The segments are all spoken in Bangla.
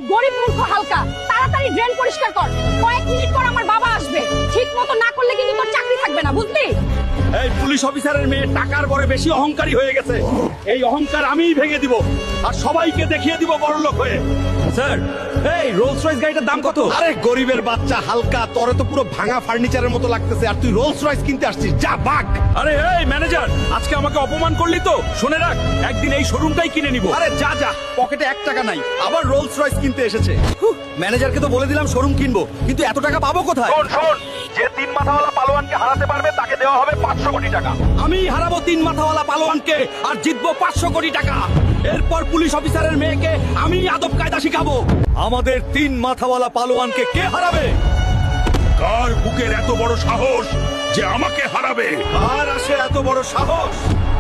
গরিব মূর্খ হালকা, তাড়াতাড়ি ড্রেন পরিষ্কার কর। কয়েক মিনিট পর আমার বাবা আসবে। ঠিক মতো না করলে কিন্তু তোর চাকরি থাকবে না, বুঝলি? এই পুলিশ অফিসারের মেয়ে টাকার বড় বেশি অহংকারী হয়ে গেছে। এই অহংকার আমিই ভেঙে দিব আর সবাইকে দেখিয়ে দিব বড়লোক হয়ে। স্যার, এই রোলস রয়েস গাড়িটার দাম কত? আরে গরিবের বাচ্চা হালকা, তোরে তো পুরো ভাঙা ফার্নিচারের মতো লাগতেছে, আর তুই রোলস রয়েস কিনতে আসছিস? যা ভাগ। আরে এই ম্যানেজার, আজকে আমাকে অপমান করলি তো, শুনে রাখ, একদিন এই শোরুমটাই কিনে নিব। আরে যা যা, পকেটে 1 টাকা নাই, আবার রোলস রয়েস কিনতে এসেছে। ম্যানেজারকে তো বলে দিলাম শোরুম কিনবো, কিন্তু এত টাকা পাবো কোথায়? শোন, যে 3 মাথাওয়ালা পালোয়ানকে হারাতে পারবে তাকে দেওয়া হবে 500 কোটি টাকা। আমি হারাবো 3 মাথাওয়ালা পালোয়ানকে আর জিতবো 500 কোটি টাকা। এরপর পুলিশ অফিসারের মেয়েকে আমি আদব কায়দা শিখাবো। আমাদের 3 মাথাওয়ালা পালোয়ানকে কে হারাবে? কার বুকের এত বড় সাহস যে আমাকে হারাবে? আর আসে এত বড় সাহস?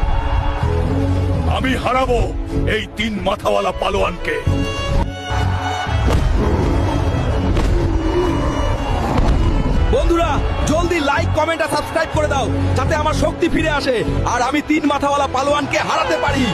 আমি হারাবো এই 3 মাথাওয়ালা পালোয়ানকে। বন্ধুরা, জলদি লাইক, কমেন্ট আর সাবস্ক্রাইব করে দাও, যাতে আমার শক্তি ফিরে আসে আর আমি 3 মাথাওয়ালা পালোয়ানকে হারাতে পারি।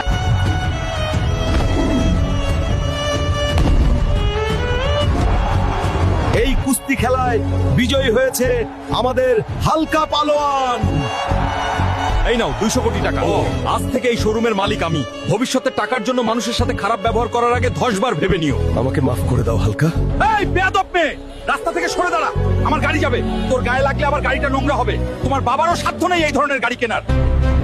এই কুস্তি খেলায় বিজয়ী হয়েছে আমাদের হালকা পালোয়ান। এই নাও 200 কোটি টাকা। আজ থেকে এই শোরুমের মালিক আমি। ভবিষ্যতে টাকার জন্য মানুষের সাথে খারাপ ব্যবহার করার আগে 10 বার ভেবে নিও। আমাকে মাফ করে দাও হালকা। এই বেয়াদব মেয়ে, রাস্তা থেকে সরে দাঁড়া, আমার গাড়ি যাবে। তোর গায়ে লাগলে আমার গাড়িটা নোংরা হবে। তোমার বাবারও সাধ্য নেই এই ধরনের গাড়ি কেনার।